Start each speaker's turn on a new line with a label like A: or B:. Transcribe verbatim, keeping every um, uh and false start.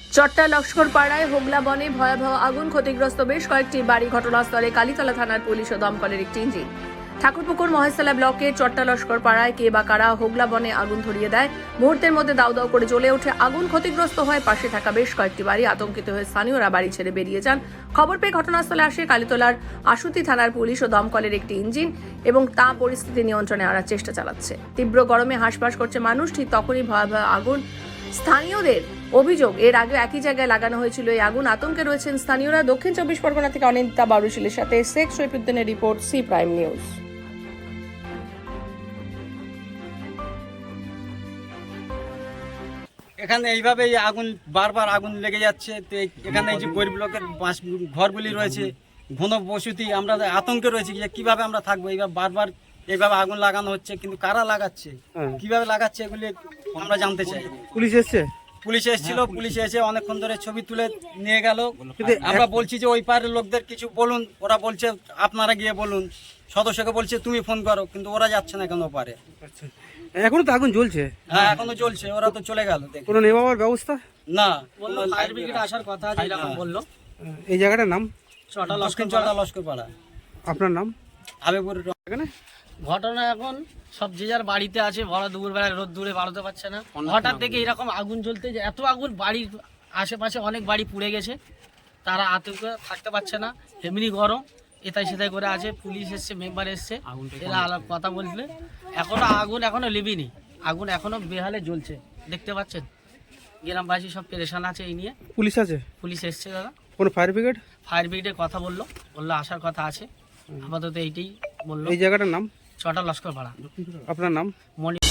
A: চট্টা লস্করপাড়ায় হোগলা বনে ভয়াবহ আগুন, ক্ষতিগ্রস্ত বেশ কয়েকটি বাড়ি। ঘটনাস্থলে কালীতলা থানার পুলিশ ও দমকলের একটি ইঞ্জিন। ঠাকুরপুকুর মহেশতলা ব্লকের চট্টা লস্করপাড়ায় কে বা কারা হোগলা বনে আগুন ধরিয়ে দেয়। মুহূর্তের মধ্যে দাউ দাউ করে জ্বলে ওঠে আগুন। ক্ষতিগ্রস্ত হয় পাশে থাকা বেশ কয়েকটি বাড়ি। আতঙ্কিত হয়ে স্থানীয়রা বাড়ি ছেড়ে বেরিয়ে যান। খবর পেয়ে ঘটনাস্থলে আসে কালীতলার আশুতি থানার পুলিশ ও দমকলের একটি ইঞ্জিন এবং তা পরিস্থিতি নিয়ন্ত্রণে আনার চেষ্টা চালাচ্ছে। তীব্র গরমে হাঁসফাঁস করছে মানুষ। ঠিক তখনই ভয়াবহ আগুন। স্থানীয়দের অভিযোগ, এর আগে একই জায়গায় লাগানো হয়েছিল এই আগুন। আতঙ্কে রয়েছেন স্থানীয়রা। দক্ষিণ চব্বিশ পরগনা থেকে অনিন্দিতা বারুশিলের সাথে শেখ শৈফুদ্দিনের রিপোর্ট, সি প্রাইম নিউজ।
B: এখানে এইভাবে আগুন বারবার আগুন লেগে যাচ্ছে। তো এখানে এই যে গরিব লোকের বাস ঘরগুলি রয়েছে, ঘন বসতি, আমরা আতঙ্কে রয়েছি যে কিভাবে আমরা থাকবো। এইভাবে বারবার এইভাবে আগুন লাগানো হচ্ছে, কিন্তু কারা লাগাচ্ছে, কিভাবে লাগাচ্ছে, এগুলি আমরা জানতে চাই।
C: পুলিশ এসছে?
B: পুলিশ এসেছিল, পুলিশ এসে অনেকক্ষণ ধরে ছবি তুলে নিয়ে গেল। আমরা বলছি যে ওই পারের লোকদের কিছু বলুন, ওরা বলছে আপনারা গিয়ে বলুন। সদস্যকে বলছে তুমি ফোন করো, কিন্তু ওরা যাচ্ছে না কেন পারে।
C: এখনো তো আগুন জ্বলছে?
B: হ্যাঁ, এখনো চলছে। ওরা তো চলে গেল।
C: কোনো নেওয়ার ব্যবস্থা
B: না,
D: ফায়ার ব্রিগেড আসার কথা আছে এরকম বললো।
C: এই জায়গাটার নাম
D: চটা
B: দক্ষিণ চটা লস্করপাড়া।
C: আপনার নাম?
B: হাবিবুর।
C: এখানে
D: ঘটনা এখন সব যে যার বাড়িতে আছে, ভরা দুপুর বেলায় রোদ দূরে বাড়াতে পারছে না। হঠাৎ থেকে এরকম আগুন জ্বলতে, যে এত আগুন, বাড়ির আশেপাশে অনেক বাড়ি পুড়ে গেছে। তারা আতঙ্কে থাকতে পারছে না, এমনি গরম, এটাই সেটাই করে আছে। পুলিশ এসছে, মেম্বার এসছে, এরা আলাপ কথা বললে। এখনো আগুন এখনো লিবিনি, আগুন এখনো বেহালে জ্বলছে, দেখতে পাচ্ছেন। গ্রামবাসী সব পেরেশান আছে এই নিয়ে।
C: পুলিশ আছে?
D: পুলিশ এসছে দাদা।
C: কোনো ফায়ার ব্রিগেড?
D: ফায়ার ব্রিগেডের কথা বললো, বললো আসার কথা আছে। আপাতত এইটাই বললো।
C: এই জায়গাটার নাম?
D: চটা লস্করপাড়া।
C: আপনার নাম?
D: মনি।